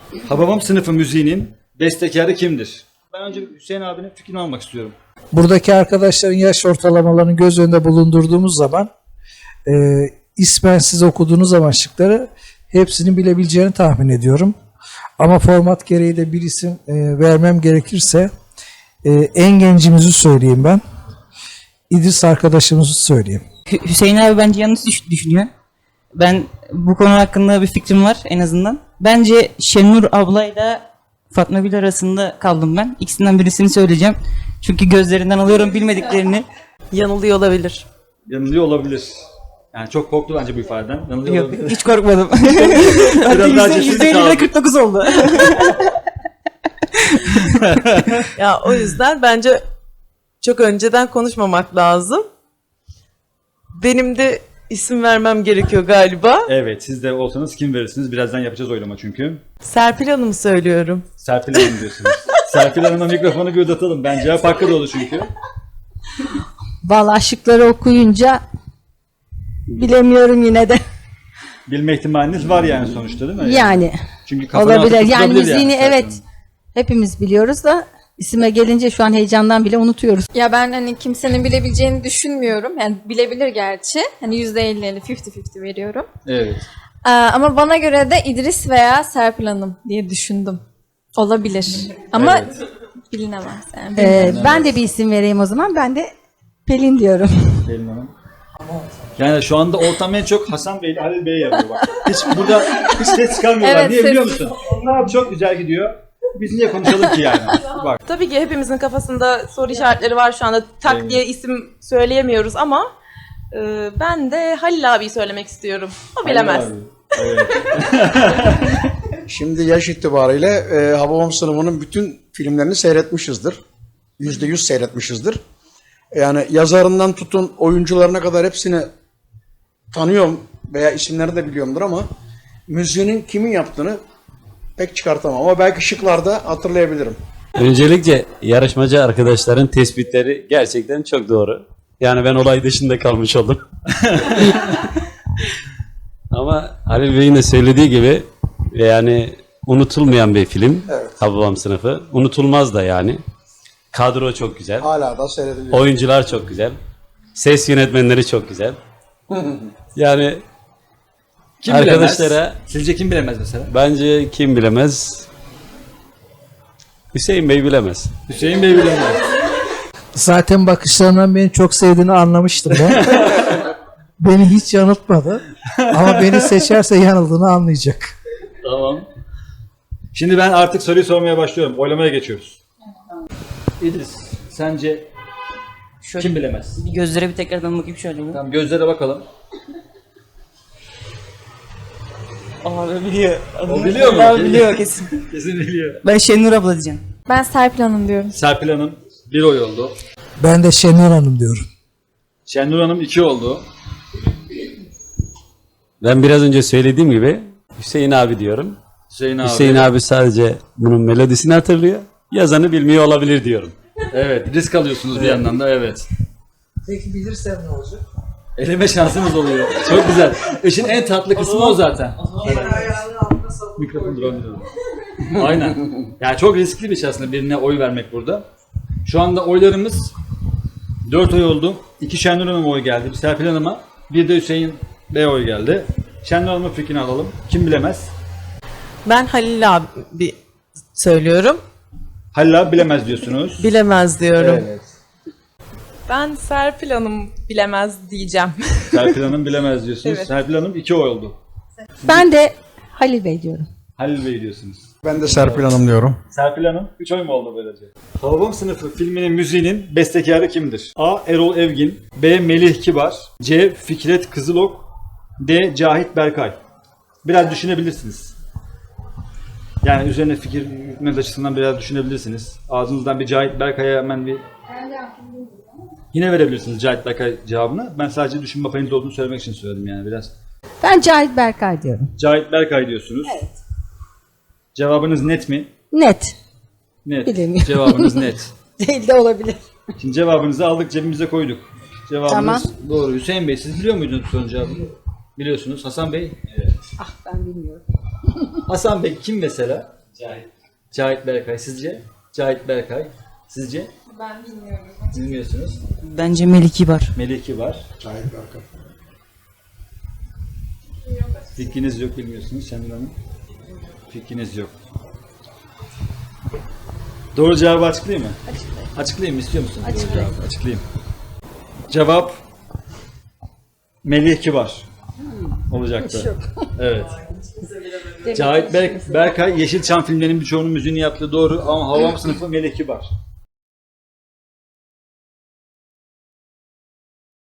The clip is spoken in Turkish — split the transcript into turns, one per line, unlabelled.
Hababam sınıfı müziğinin bestekarı kimdir? Ben önce Hüseyin abinin fikrini almak istiyorum.
Buradaki arkadaşların yaş ortalamalarını göz önünde bulundurduğumuz zaman ismen siz okuduğunuz zaman şıkları hepsini bilebileceğini tahmin ediyorum. Ama format gereği de bir isim vermem gerekirse en gencimizi söyleyeyim ben. İdris arkadaşımızı söyleyeyim.
Hüseyin abi bence yanlış düşünüyor. Ben bu konu hakkında bir fikrim var en azından. Bence Şenur ablayla Fatma Gül arasında kaldım ben. İkisinden birisini söyleyeceğim. Çünkü gözlerinden alıyorum bilmediklerini.
Yanılıyor olabilir.
Yanılıyor olabilir. Yani çok korktu bence bu ifadeden. Yanılıyor
Yok,
olabilir.
hiç korkmadım.
Biraz daha
Hatta
cesur
%50'de
kaldı.
49 oldu.
Ya o yüzden bence çok önceden konuşmamak lazım. Benim de isim vermem gerekiyor galiba.
Evet, siz de olsanız kim verirsiniz? Birazdan yapacağız oylama çünkü.
Serpil Hanım'ı söylüyorum.
Serpil Hanım diyorsunuz. Serpil Hanım'a mikrofonu bir uzatalım. Ben cevap hakkı dolu çünkü.
Vallahi şıkları okuyunca bilemiyorum yine de.
Bilme ihtimaliniz var yani sonuçta değil mi?
Yani
Çünkü kafana
olabilir.
atıp
Yani
tutulabilir
müziğini
Serpil
evet
Hanım.
hepimiz biliyoruz da isime gelince şu an heyecandan bile unutuyoruz.
Ya ben hani kimsenin bilebileceğini düşünmüyorum. Yani bilebilir gerçi. Hani %50-50, 50-50 veriyorum.
Evet.
Ama bana göre de İdris veya Serpil Hanım diye düşündüm. Olabilir. Ama
Evet.
bilinemez yani.
Ben de bir isim vereyim o zaman. Ben de Pelin diyorum.
Pelin Hanım. Yani şu anda ortam en çok Hasan Bey ile Halil Bey'e yarıyor bak. Hiç ses çıkarmıyorlar.
Evet,
Niye biliyor
ses-
musun? Onlar çok güzel gidiyor. Biz niye konuşalım ki yani? Bak.
Tabii ki hepimizin kafasında soru işaretleri var şu anda. Tak
Evet.
diye isim söyleyemiyoruz ama ben de Halil abiyi söylemek istiyorum. O bilemez.
Halil abi. Evet.
Şimdi yaş itibariyle Hababam sınıfının bütün filmlerini seyretmişizdir. %100 seyretmişizdir. Yani yazarından tutun oyuncularına kadar hepsini tanıyorum veya isimlerini de biliyorumdur ama müziğinin kimin yaptığını pek çıkartamam. Ama belki şıklarda hatırlayabilirim.
Öncelikle yarışmacı arkadaşların tespitleri gerçekten çok doğru. Yani ben olay dışında kalmış oldum. Ama Halil Bey'in de söylediği gibi yani unutulmayan bir film.
Evet.
Hababam sınıfı. Unutulmaz da yani. Kadro çok güzel.
Hala da seyrediliyor.
Oyuncular çok güzel. Ses yönetmenleri çok güzel. Yani
Kim
arkadaşlara
bilemez? Sizce kim bilemez mesela?
bence kim bilemez? Hüseyin Bey bilemez.
Hüseyin Bey bilemez.
Zaten bakışlarından beni çok sevdiğini anlamıştım ben. Beni hiç yanıltmadı. Ama beni seçerse yanıldığını anlayacak.
Tamam. Şimdi ben artık soruyu sormaya başlıyorum. Oylamaya geçiyoruz. İdris, sence kim bilemez?
Bir gözlere bir tekrardan bakayım şöyle.
Tamam, gözlere bakalım.
Abi biliyor.
O biliyor mu?
Abi biliyor kesin.
Kesin biliyor.
Ben Şenur abla diyeceğim.
Ben Serpil Hanım diyorum.
Serpil Hanım 1 oy oldu.
Ben de Şenur Hanım diyorum.
Şenur Hanım 2 oldu.
Ben biraz önce söylediğim gibi Hüseyin abi diyorum.
Hüseyin abi.
Hüseyin abi sadece bunun melodisini hatırlıyor. Yazanı bilmiyor olabilir diyorum.
Evet, risk alıyorsunuz bir yandan da, evet.
Peki bilirsem ne olacak?
Eleme şansınız oluyor. Çok güzel. İşin en tatlı kısmı o zaten. Mikrofon duramıyor. Aynen. Yani çok riskli bir şey aslında birine oy vermek burada. Şu anda oylarımız 4 oy oldu. 2 Şenur Hanım'a oy geldi. Bir Serpil Hanım'a. Bir de Hüseyin Bey oy geldi. Şenur Hanım'ın fikrini alalım. Kim bilemez?
Ben Halil abi söylüyorum.
Halil abi bilemez diyorsunuz.
Bilemez diyorum.
Evet.
Ben Serpil Hanım bilemez diyeceğim.
Serpil Hanım bilemez diyorsunuz.
Evet.
Serpil Hanım 2 oy oldu.
Ben de Halil Bey diyorum.
Halil Bey diyorsunuz.
Ben de Serpil Hanım diyorum.
Serpil Hanım 3 oy mu oldu böylece? Hababam sınıfı filminin müziğinin bestekarı kimdir? A. Erol Evgin, B. Melih Kibar, C. Fikret Kızılok, D. Cahit Berkay. Biraz düşünebilirsiniz. Yani üzerine fikir yürütmeniz açısından biraz düşünebilirsiniz. Ağzınızdan bir Cahit Berkay'a hemen bir... Yine verebilirsiniz Cahit Berkay cevabını. Ben sadece düşünme payınız olduğunu söylemek için söyledim yani biraz.
Ben Cahit Berkay diyorum.
Cahit Berkay diyorsunuz. Evet. Cevabınız net mi?
Net.
Net.
Bilemiyorum.
Cevabınız net.
Değil de olabilir.
Şimdi cevabınızı aldık, cebimize koyduk. Cevabınız
Tamam.
doğru. Hüseyin Bey, siz biliyor muydunuz sorunun cevabını? Biliyorsunuz. Hasan Bey? Evet.
Ah ben bilmiyorum.
Hasan Bey kim mesela? Cahit Berkay. Sizce? Cahit Berkay. Sizce?
Ben bilmiyorum.
Bilmiyorsunuz.
Bence Melih Kibar.
Melih Kibar.
Cahit Berkay.
Fikriniz yok, bilmiyorsunuz Şenur Hanım. Fikriniz yok. Doğru cevabı açıklayayım mı? Açıklayayım mı? İstiyor musun? Doğru cevabı açıklayayım. Cevap Melih Kibar olacaktı. Evet. Cahit Berkay Yeşilçam filmlerinin birçoğunun müziğini yaptı, doğru, ama Hababam sınıfı Melih Kibar.